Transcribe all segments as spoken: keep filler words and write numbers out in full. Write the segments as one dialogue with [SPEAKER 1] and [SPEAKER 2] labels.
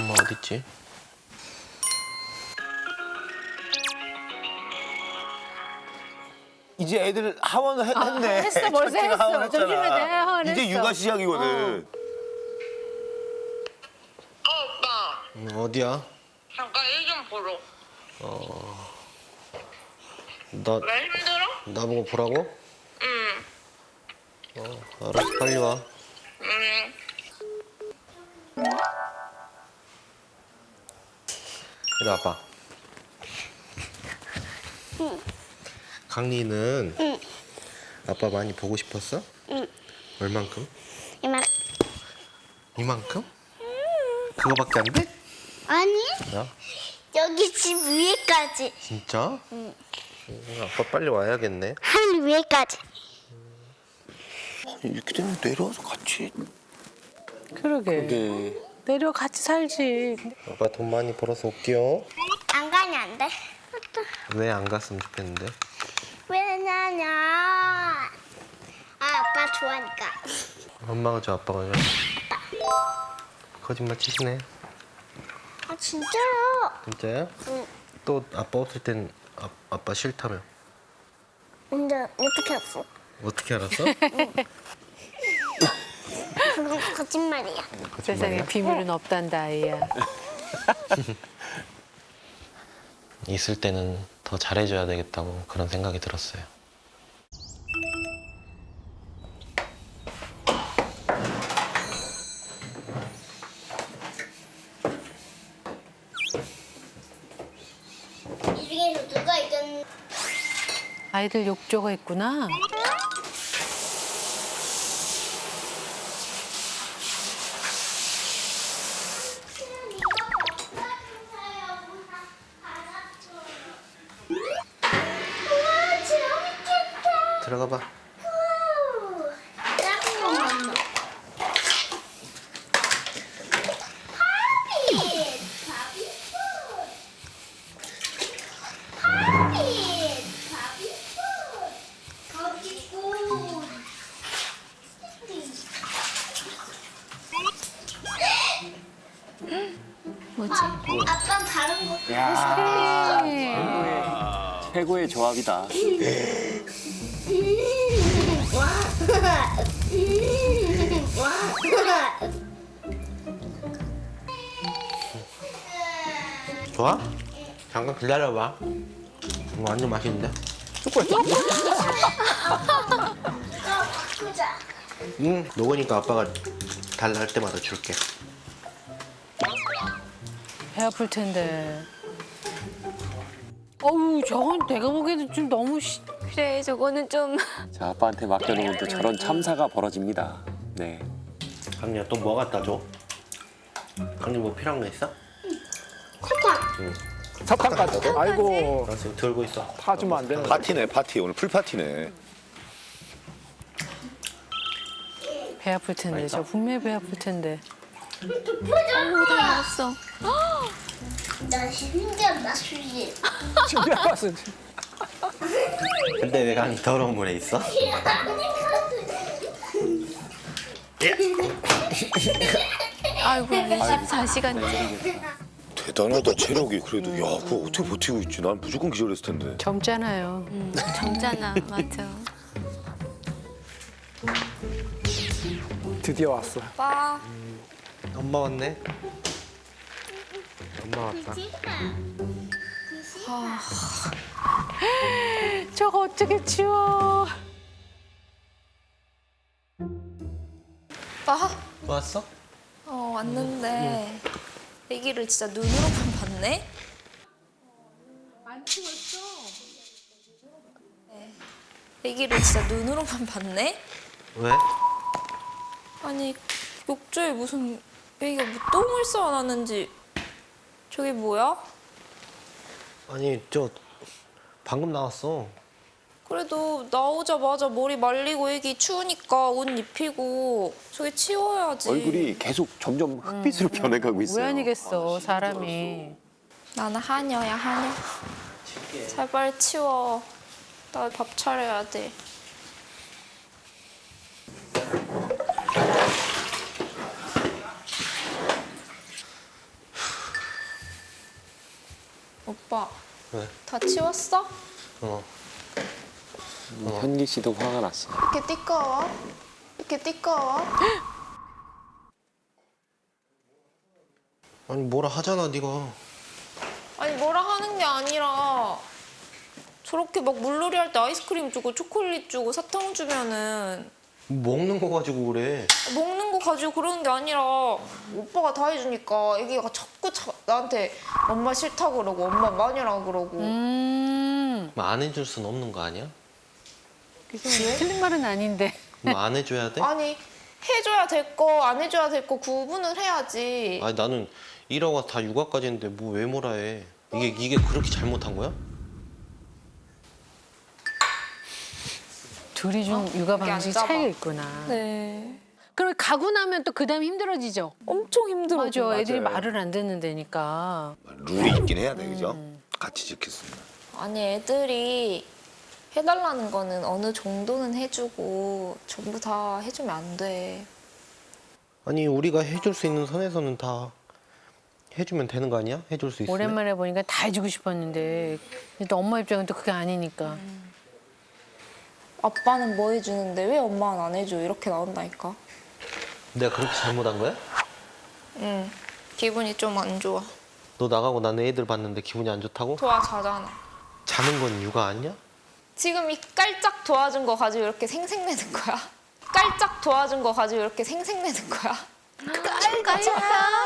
[SPEAKER 1] 엄마 어딨지?
[SPEAKER 2] 이제 애들 하원 했,
[SPEAKER 3] 아,
[SPEAKER 2] 했네.
[SPEAKER 3] 했어, 벌써
[SPEAKER 2] 첫째가
[SPEAKER 3] 했어.
[SPEAKER 2] 하원 했잖아.
[SPEAKER 3] 점심에 내 하원
[SPEAKER 2] 이제
[SPEAKER 3] 했어.
[SPEAKER 2] 육아 시작이거든.
[SPEAKER 4] 어, 오빠.
[SPEAKER 1] 음, 어디야?
[SPEAKER 4] 잠깐 일 좀 보러.
[SPEAKER 1] 나
[SPEAKER 4] 왜 힘들어?
[SPEAKER 1] 나보고 보라고?
[SPEAKER 4] 응.
[SPEAKER 1] 어, 알았어, 빨리 와.
[SPEAKER 4] 응.
[SPEAKER 1] 이리 와봐.
[SPEAKER 5] 응.
[SPEAKER 1] 강리는
[SPEAKER 5] 응.
[SPEAKER 1] 아빠 많이 보고 싶었어?
[SPEAKER 5] 응.
[SPEAKER 1] 얼만큼?
[SPEAKER 5] 이만.
[SPEAKER 1] 이만큼? 그거밖에 안 돼?
[SPEAKER 5] 아니,
[SPEAKER 1] 야,
[SPEAKER 5] 여기 집 위에까지.
[SPEAKER 1] 진짜? 응. 아빠 빨리 와야겠네.
[SPEAKER 5] 하늘 위에까지.
[SPEAKER 2] 이렇게 되면 내려와서 같이.
[SPEAKER 3] 그러게.
[SPEAKER 2] 네.
[SPEAKER 3] 내려 같이 살지.
[SPEAKER 1] 아빠 돈 많이 벌어서 올게요.
[SPEAKER 5] 안 가면 안 돼.
[SPEAKER 1] 왜 안 갔으면 좋겠는데?
[SPEAKER 5] 왜냐면 아, 아빠 좋아하니까.
[SPEAKER 1] 엄마가 줘, 아빠가 줘. 거짓말 치시네.
[SPEAKER 5] 아 진짜요?
[SPEAKER 1] 진짜야?
[SPEAKER 5] 응.
[SPEAKER 1] 또 아빠 없을 땐 아, 아빠 싫다며.
[SPEAKER 5] 근데 어떻게 알았어?
[SPEAKER 1] 어떻게 알았어?
[SPEAKER 5] 그건 거짓말이야.
[SPEAKER 3] 세상에 비밀은 없단다, 아이야.
[SPEAKER 1] 있을 때는 더 잘해줘야 되겠다고 그런 생각이 들었어요.
[SPEAKER 5] 이 중에서 누가 이겼는지.
[SPEAKER 3] 아이들 욕조가 있구나.
[SPEAKER 5] 우와 재밌겠다.
[SPEAKER 1] 들어가 봐.
[SPEAKER 5] 우, 작은 것만 넣어. 파빗! 파빗! 파빗! 파빗! 거기고.
[SPEAKER 6] 뭐지?
[SPEAKER 5] 아빠 다른 거.
[SPEAKER 2] 최고의 조합이다.
[SPEAKER 1] 좋아? 잠깐 기다려봐. 이거 완전 맛있는데?
[SPEAKER 5] 바꾸자.
[SPEAKER 1] 응. 녹으니까 아빠가 달라 할 때마다 줄게.
[SPEAKER 3] 배 아플 텐데. 어우, 저건 내가 보기에는 좀 너무 시...
[SPEAKER 6] 그래, 저거는 좀.
[SPEAKER 7] 자, 아빠한테 맡겨놓으면 또 저런 참사가 벌어집니다. 네.
[SPEAKER 1] 강리야 또 뭐 갖다 줘? 강리 뭐 필요한 거 있어?
[SPEAKER 5] 사탕.
[SPEAKER 8] 사탕까지. 아이고,
[SPEAKER 1] 나 지금 들고 있어.
[SPEAKER 8] 타주면 안 되는 거.
[SPEAKER 2] 파티네 파티. 오늘 풀 파티네.
[SPEAKER 3] 배 아플 텐데. 저 분명히 배 아플 텐데.
[SPEAKER 6] 어우, 다 나왔어.
[SPEAKER 5] 나 신기한 맛이지.
[SPEAKER 8] 준비한 맛은.
[SPEAKER 1] 근데 왜 강리 더러운 물에 있어?
[SPEAKER 6] 아이고, 이십사 시간째.
[SPEAKER 2] 대단하다 체력이. 그래도 야 그거 어떻게 버티고 있지? 난 무조건 기절했을 텐데.
[SPEAKER 3] 젊잖아요.
[SPEAKER 6] 음, 젊잖아, 맞아.
[SPEAKER 8] 드디어 왔어.
[SPEAKER 6] 오빠.
[SPEAKER 1] 엄마 왔네. 엄마 왔다.
[SPEAKER 3] 저거 어떻게 치워?
[SPEAKER 9] 오빠,
[SPEAKER 1] 왔어?
[SPEAKER 9] 어, 왔는데 애기를 진짜 눈으로만 봤네?
[SPEAKER 3] 안 치웠어.
[SPEAKER 9] 네. 애기를 진짜 눈으로만 봤네?
[SPEAKER 1] 왜?
[SPEAKER 9] 아니, 욕조에 무슨 애기가 뭐 똥을 싸 놨는지 저게 뭐야?
[SPEAKER 1] 아니 저 방금 나왔어.
[SPEAKER 9] 그래도 나오자마자 머리 말리고 애기 추우니까 옷 입히고 저게 치워야지.
[SPEAKER 7] 얼굴이 계속 점점 흑빛으로 변해가고 있어요.
[SPEAKER 3] 왜 아니겠어, 사람이.
[SPEAKER 9] 나는 하녀야, 하녀. 제발 치워. 나 밥 차려야 돼. 오빠
[SPEAKER 1] 왜?
[SPEAKER 9] 다 치웠어?
[SPEAKER 1] 어.
[SPEAKER 7] 현기 씨도 화가 났어.
[SPEAKER 9] 이렇게 띠꺼워? 이렇게 띠꺼워?
[SPEAKER 1] 아니 뭐라 하잖아 네가.
[SPEAKER 9] 아니 뭐라 하는 게 아니라 저렇게 막 물놀이 할 때 아이스크림 주고 초콜릿 주고 사탕 주면은
[SPEAKER 1] 먹는 거 가지고 그래.
[SPEAKER 9] 먹는 거 가지고 그러는 게 아니라 오빠가 다 해주니까 애기가 자꾸 자, 나한테 엄마 싫다 그러고 엄마 마녀라 그러고
[SPEAKER 3] 음.
[SPEAKER 1] 뭐 안 해줄 순 없는 거 아니야?
[SPEAKER 3] 그래서 틀린 말은 아닌데.
[SPEAKER 1] 뭐 안 해줘야 돼?
[SPEAKER 9] 아니 해줘야 될 거 안 해줘야 될 거 구분을 해야지.
[SPEAKER 1] 아니 나는 일하고 와서 다 육아까지 했는데 뭐 왜 뭐라 해? 이게 이게 그렇게 잘못한 거야?
[SPEAKER 3] 둘이 좀 육아
[SPEAKER 9] 이게 안
[SPEAKER 3] 방식
[SPEAKER 9] 잡아.
[SPEAKER 3] 차이가 있구나.
[SPEAKER 9] 네.
[SPEAKER 3] 그럼 가고 나면 또 그다음 힘들어지죠.
[SPEAKER 9] 엄청 힘들어.
[SPEAKER 3] 맞아. 애들이
[SPEAKER 2] 맞아요.
[SPEAKER 3] 말을 안 듣는 데니까.
[SPEAKER 2] 룰이 있긴 해야 돼, 그죠? 같이 지켰습니다.
[SPEAKER 9] 아니 애들이 해달라는 거는 어느 정도는 해주고 전부 다 해주면 안 돼.
[SPEAKER 1] 아니 우리가 해줄 수 있는 선에서는 다 해주면 되는 거 아니야? 해줄 수 있으면.
[SPEAKER 3] 오랜만에 보니까 다 해주고 싶었는데 근데 또 엄마 입장은 또 그게 아니니까.
[SPEAKER 9] 아빠는 뭐 해주는데 왜 엄마는 안 해줘? 이렇게 나온다니까.
[SPEAKER 1] 내가 그렇게 잘못한 거야?
[SPEAKER 9] 응. 기분이 좀 안 좋아.
[SPEAKER 1] 너 나가고 난 애들 봤는데 기분이 안 좋다고?
[SPEAKER 9] 도와 자잖아.
[SPEAKER 1] 자는 건 육아 아니야?
[SPEAKER 9] 지금 이 깔짝 도와준 거 가지고 이렇게 생색내는 거야. 깔짝 도와준 거 가지고 이렇게 생색내는 거야.
[SPEAKER 3] 깔깔.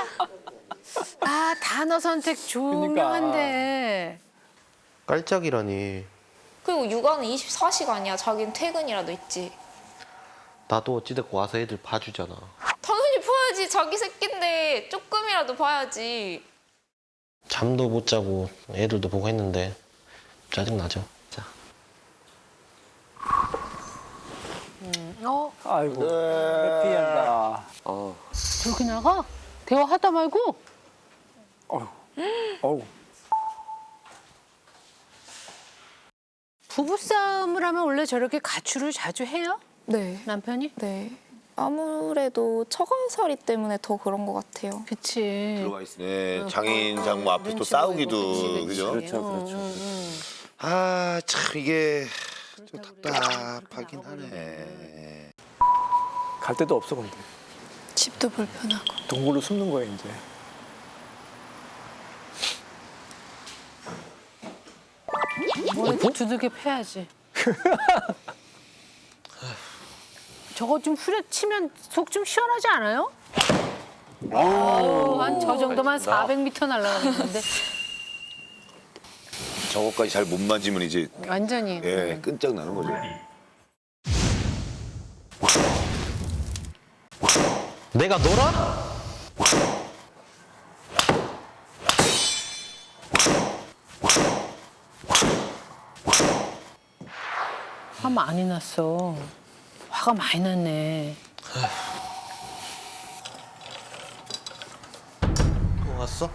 [SPEAKER 3] 아 단어 선택 조명한데.
[SPEAKER 1] 깔짝이라니.
[SPEAKER 9] 그리고 육아는 이십사 시간이야. 자기는 퇴근이라도 있지.
[SPEAKER 1] 나도 어찌됐고 와서 애들 봐주잖아.
[SPEAKER 9] 당연히 봐야지. 자기 새끼인데 조금이라도 봐야지.
[SPEAKER 1] 잠도 못 자고 애들도 보고 했는데 짜증나죠. 자.
[SPEAKER 3] 어
[SPEAKER 8] 아이고 해피한다.
[SPEAKER 7] 어.
[SPEAKER 3] 저렇게 나가? 대화하다 말고?
[SPEAKER 8] 어우.
[SPEAKER 3] 부부싸움을 하면 원래 저렇게 가출을 자주 해요?
[SPEAKER 9] 네.
[SPEAKER 3] 남편이?
[SPEAKER 9] 네. 아무래도 처가살이 때문에 더 그런 것 같아요.
[SPEAKER 3] 그치.
[SPEAKER 2] 들어가 있네. 장인 장모 앞에 또
[SPEAKER 3] 눈치
[SPEAKER 2] 싸우기도,
[SPEAKER 3] 보이고, 그치,
[SPEAKER 2] 그죠?
[SPEAKER 3] 그치.
[SPEAKER 7] 그렇죠, 그렇죠.
[SPEAKER 3] 응, 응, 응.
[SPEAKER 2] 아, 참 이게 좀 답답하긴 하네.
[SPEAKER 8] 갈 데도 없어 근데.
[SPEAKER 9] 집도 불편하고.
[SPEAKER 8] 동굴로 숨는 거야 이제.
[SPEAKER 3] 뭐라도 두들겨 패야지. 저거 좀 후려치면 속 좀 시원하지 않아요? 한 저 정도만 사백 미터 날아가는데
[SPEAKER 2] 저거까지 잘 못 만지면 이제
[SPEAKER 3] 완전히.
[SPEAKER 2] 예, 끈적 나는 거죠.
[SPEAKER 1] 내가 놀아?
[SPEAKER 3] 화 많이 났어. 화가 많이 났네.
[SPEAKER 1] 또 왔어?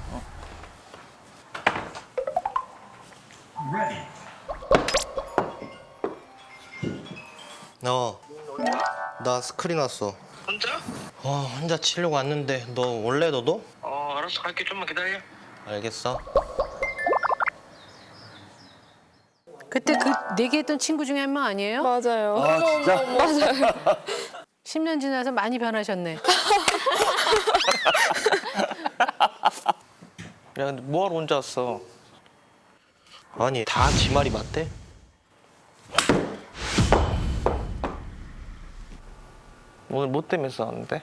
[SPEAKER 1] 어. 나 스크린 왔어.
[SPEAKER 4] 혼자?
[SPEAKER 1] 어, 혼자 치려고 왔는데 너 원래 너도?
[SPEAKER 4] 어, 알았어. 갈게. 좀만 기다려.
[SPEAKER 1] 알겠어.
[SPEAKER 3] 그때 그 내기했던 친구 중에 한 명 아니에요?
[SPEAKER 9] 맞아요.
[SPEAKER 7] 아 진짜?
[SPEAKER 9] 맞아요.
[SPEAKER 3] 십 년 지나서 많이 변하셨네.
[SPEAKER 10] 야, 근데 뭐하러 혼자 왔어?
[SPEAKER 1] 아니 다 지 말이 맞대?
[SPEAKER 10] 오늘 뭐 때문에 싸웠는데?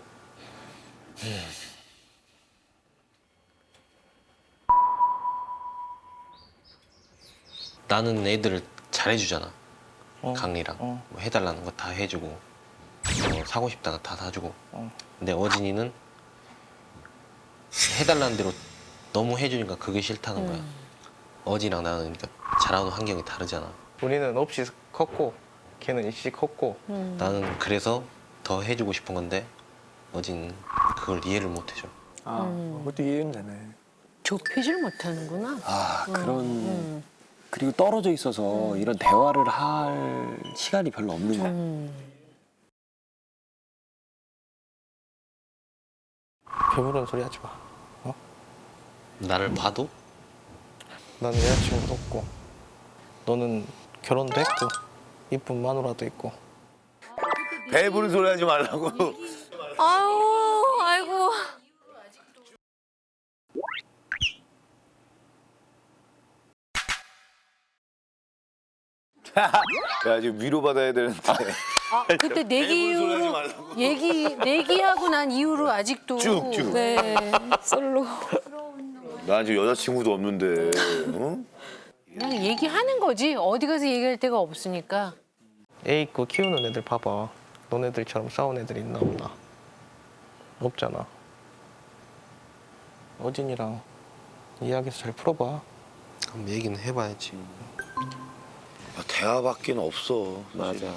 [SPEAKER 1] 나는 애들을 잘해주잖아.
[SPEAKER 10] 어.
[SPEAKER 1] 강리랑
[SPEAKER 10] 어.
[SPEAKER 1] 뭐 해달라는 거 다 해주고 뭐 사고 싶다가 다 사주고.
[SPEAKER 10] 어.
[SPEAKER 1] 근데 어진이는 해달라는 대로 너무 해주니까 그게 싫다는 거야. 어진이랑 나는 그러니까 자라는 환경이 다르잖아.
[SPEAKER 10] 우리는 없이 컸고 걔는 있이 컸고
[SPEAKER 1] 나는 그래서 더 해주고 싶은 건데 어진 그걸 이해를 못 해줘.
[SPEAKER 8] 아 그것도 이해는 되네.
[SPEAKER 3] 좁히질 못하는구나.
[SPEAKER 7] 아 그런 그리고 떨어져 있어서 이런 대화를 할 시간이 별로 없는 거야.
[SPEAKER 3] 음.
[SPEAKER 10] 배부른 소리 하지 마.
[SPEAKER 1] 나를 봐도
[SPEAKER 10] 나는 여자친구도 없고 너는 결혼도 했고 이쁜 마누라도 있고
[SPEAKER 2] 배부른 소리 하지 말라고.
[SPEAKER 6] 아유, 아이고.
[SPEAKER 2] 야 지금 위로 받아야 되는데.
[SPEAKER 3] 아, 그때 내기
[SPEAKER 2] 배부른 소리 하지
[SPEAKER 3] 이후로
[SPEAKER 2] 말라고.
[SPEAKER 3] 얘기 내기하고 난 이후로 아직도
[SPEAKER 2] 쭉 쭉.
[SPEAKER 6] 네, 솔로.
[SPEAKER 2] 난 지금 여자친구도 없는데. 어?
[SPEAKER 3] 그냥 얘기하는 거지. 어디 가서 얘기할 데가 없으니까.
[SPEAKER 10] 애 있고 키우는 애들 봐봐. 너네들처럼 싸운 애들 있나 없나? 없잖아. 어진이랑 이야기해서 잘 풀어봐.
[SPEAKER 1] 그럼 얘기는 해봐야지.
[SPEAKER 2] 야, 대화밖에 없어.
[SPEAKER 7] 맞아.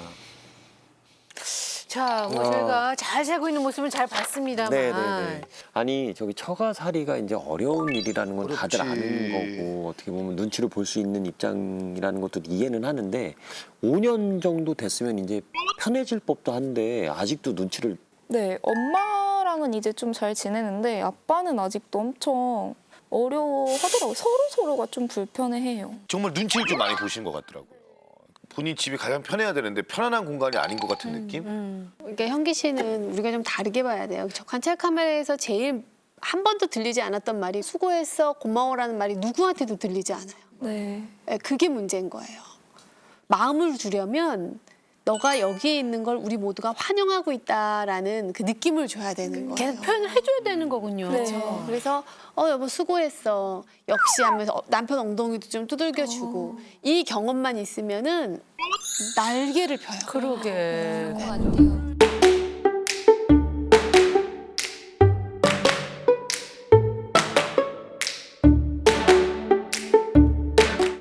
[SPEAKER 3] 자, 뭐
[SPEAKER 7] 어.
[SPEAKER 3] 저희가 잘 살고 있는 모습은 잘 봤습니다만.
[SPEAKER 7] 네네네. 아니 저기 처가살이가 이제 어려운 일이라는 건 다들
[SPEAKER 2] 그렇지.
[SPEAKER 7] 아는 거고 어떻게 보면 눈치를 볼 수 있는 입장이라는 것도 이해는 하는데 오 년 정도 됐으면 이제 편해질 법도 한데 아직도 눈치를
[SPEAKER 11] 네, 엄마랑은 이제 좀 잘 지내는데 아빠는 아직도 엄청 어려워하더라고요. 서로 서로가 좀 불편해해요.
[SPEAKER 2] 정말 눈치를 좀 많이 보시는 것 같더라고요. 본인 집이 가장 편해야 되는데 편안한 공간이 아닌 것 같은 느낌?
[SPEAKER 3] 음.
[SPEAKER 12] 그러니까 현기 씨는 우리가 좀 다르게 봐야 돼요. 저 관찰 카메라에서 제일 한 번도 들리지 않았던 말이 수고했어, 고마워라는 말이 누구한테도 들리지 않아요.
[SPEAKER 11] 네.
[SPEAKER 12] 네, 그게 문제인 거예요. 마음을 주려면 너가 여기에 있는 걸 우리 모두가 환영하고 있다라는 그 느낌을 줘야 되는 거예요.
[SPEAKER 3] 계속 표현을 해줘야 되는 거군요.
[SPEAKER 12] 그렇죠. 그래서 어 여보 수고했어. 역시 하면서 어, 남편 엉덩이도 좀 두들겨주고 이 경험만 있으면은 날개를 펴요.
[SPEAKER 3] 그러게.
[SPEAKER 6] 그런 것 같아요.